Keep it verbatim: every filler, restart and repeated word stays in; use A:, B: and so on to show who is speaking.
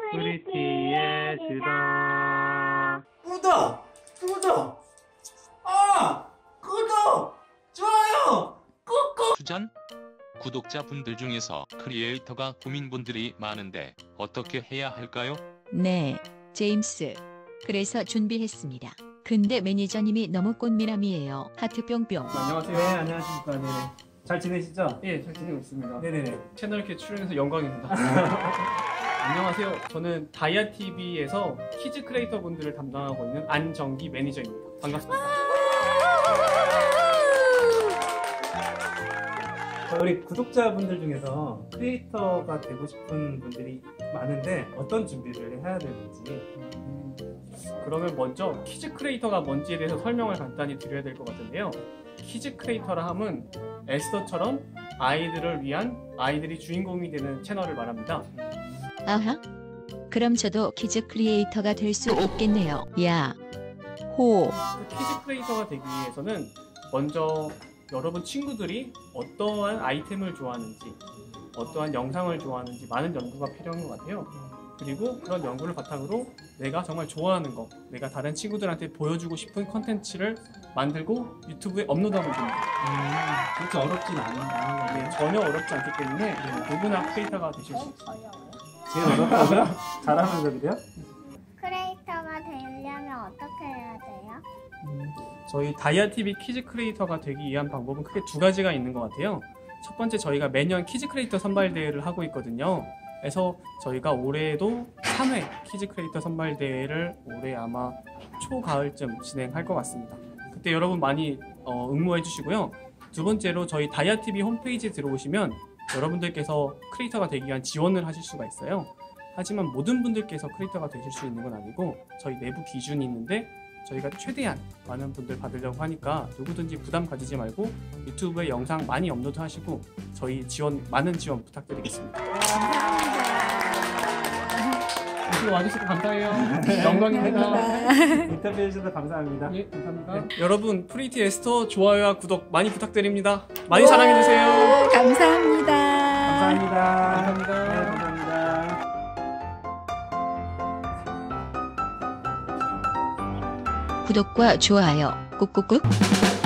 A: 프리티의 수다.
B: 구독! 구독! 아! 구독! 좋아요! 꾹꾹!
C: 추천? 구독자분들 중에서 크리에이터가 고민분들이 많은데 어떻게 해야 할까요?
D: 네, 제임스. 그래서 준비했습니다. 근데 매니저님이 너무 꽃미남이에요. 하트 뿅뿅.
E: 안녕하세요.
A: 네, 안녕하십니까. 네네. 잘 지내시죠?
E: 예, 잘 지내고 있습니다.
A: 네네네.
E: 채널 이렇게 출연해서 영광입니다. 안녕하세요. 저는 다이아티비에서 키즈 크리에이터 분들을 담당하고 있는 안정기 매니저입니다. 반갑습니다.
A: 우리 구독자분들 중에서 크리에이터가 되고 싶은 분들이 많은데 어떤 준비를 해야 되는지.
E: 그러면 먼저 키즈 크리에이터가 뭔지에 대해서 설명을 간단히 드려야 될 것 같은데요. 키즈 크리에이터라 함은 에스더처럼 아이들을 위한 아이들이 주인공이 되는 채널을 말합니다.
D: 아하? 그럼 저도 키즈 크리에이터가 될 수 있겠네요. 야, 호.
E: 키즈 크리에이터가 되기 위해서는 먼저 여러분 친구들이 어떠한 아이템을 좋아하는지, 어떠한 영상을 좋아하는지 많은 연구가 필요한 것 같아요. 그리고 그런 연구를 바탕으로 내가 정말 좋아하는 거, 내가 다른 친구들한테 보여주고 싶은 컨텐츠를 만들고 유튜브에 업로드하면 됩니다.
A: 음, 그렇게 어렵진 않은 않은
E: 네,
A: 건데.
E: 전혀 어렵지 않기 때문에 누구나 크리에이터가 되실 수 있어요.
A: 제일 어렵다고요? 잘하면서 그래요?
F: 크리에이터가 되려면 어떻게 해야 돼요?
E: 음, 저희 다이아티비 키즈 크리에이터가 되기 위한 방법은 크게 두 가지가 있는 것 같아요. 첫 번째, 저희가 매년 키즈 크리에이터 선발대회를 하고 있거든요. 그래서 저희가 올해도 삼 회 키즈 크리에이터 선발대회를 올해 아마 초가을쯤 진행할 것 같습니다. 그때 여러분 많이 어, 응모해 주시고요. 두 번째로 저희 다이아티비 홈페이지에 들어오시면 여러분들께서 크리에이터가 되기 위한 지원을 하실 수가 있어요. 하지만 모든 분들께서 크리에이터가 되실 수 있는 건 아니고 저희 내부 기준이 있는데 저희가 최대한 많은 분들 받으려고 하니까 누구든지 부담 가지지 말고 유튜브에 영상 많이 업로드 하시고 저희 지원, 많은 지원 부탁드리겠습니다. 오늘 와주셔서 감사해요. 영광입니다.
A: 인터뷰해 주셔서 감사합니다.
E: 예, 감사합니다. 네, 여러분 프리티 에스터 좋아요와 구독 많이 부탁드립니다. 많이 사랑해주세요.
D: 감사합니다.
A: 감사합니다.
E: 감사합니다.
A: 네, 감사합니다.
D: 구독과 좋아요 꾹꾹꾹.